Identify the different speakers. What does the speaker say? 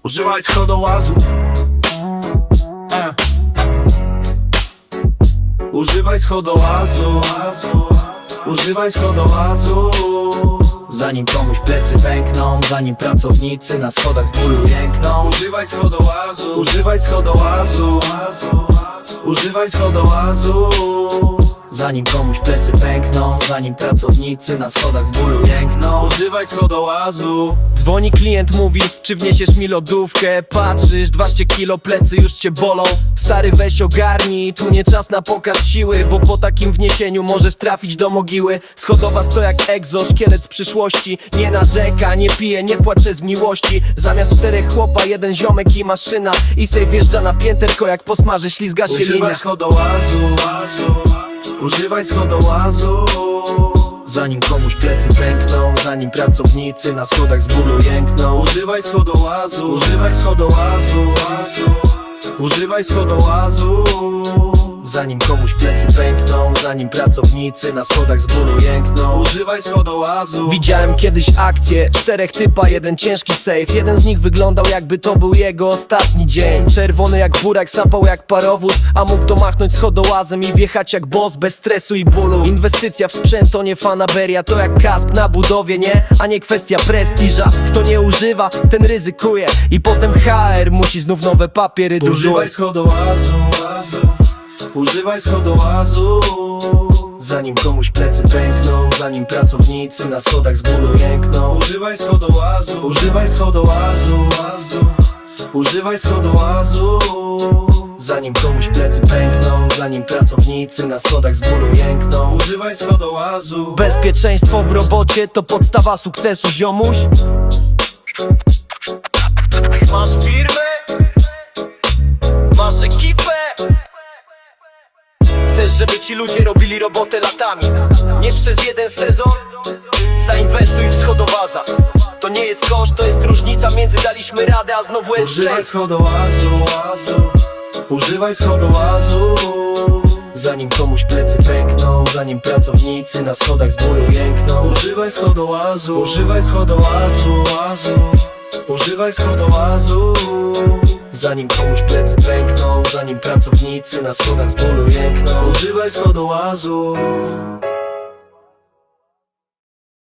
Speaker 1: Używaj schodołazu. Używaj schodołazu. Używaj schodołazu. Zanim komuś plecy pękną, zanim pracownicy na schodach z bólu jękną. Używaj schodołazu. Używaj schodołazu. Używaj schodołazu. Zanim komuś plecy pękną, zanim pracownicy na schodach z bólu jękną. Używaj schodołazu.
Speaker 2: Dzwoni klient, mówi, czy wniesiesz mi lodówkę? Patrzysz, 12 kilo, plecy już cię bolą. Stary, weź ogarnij, tu nie czas na pokaz siły, bo po takim wniesieniu możesz trafić do mogiły. Schodowa to jak egzo, szkielet z przyszłości. Nie narzeka, nie pije, nie płacze z miłości. Zamiast 4 chłopa, 1 ziomek i maszyna. I sej wjeżdża na pięterko, jak posmaży, ślizga się linia.
Speaker 1: Używaj schodołazu. Używaj schodołazu. Zanim komuś plecy pękną, zanim pracownicy na schodach z bólu jękną. Używaj schodołazu. Używaj schodołazu. Używaj schodołazu. Zanim komuś plecy pękną, zanim pracownicy na schodach z bólu jękną. Używaj schodołazu.
Speaker 2: Widziałem kiedyś akcję, 4 typa, 1 ciężki sejf. Jeden z nich wyglądał, jakby to był jego ostatni dzień. Czerwony jak burak, sapał jak parowóz, a mógł to machnąć schodołazem i wjechać jak boss, bez stresu i bólu. Inwestycja w sprzęt to nie fanaberia, to jak kask na budowie, nie? A nie kwestia prestiża. Kto nie używa, ten ryzykuje. I potem HR musi znów nowe papiery
Speaker 1: Używaj
Speaker 2: drużyć.
Speaker 1: schodołazu. Używaj schodołazu. Zanim komuś plecy pękną, zanim pracownicy na schodach z bólu jękną. Używaj schodołazu. Używaj schodołazu. Używaj schodołazu. Zanim komuś plecy pękną, zanim pracownicy na schodach z bólu jękną. Używaj schodołazu.
Speaker 2: Bezpieczeństwo w robocie to podstawa sukcesu, ziomuś. Masz firmę? Masz ekipę? Chcesz, żeby ci ludzie robili robotę latami, nie przez 1 sezon? Zainwestuj w schodowaza. To nie jest koszt, to jest różnica między daliśmy radę, a znowu
Speaker 1: Używaj schodołazu. Używaj schodołazu. Zanim komuś plecy pękną, zanim pracownicy na schodach z bólu jękną. Używaj schodołazu. Używaj schodołazu. Używaj schodołazu. Zanim komuś plecy pękną, zanim pracownicy na schodach z bólu jękną. Używaj schodołazu.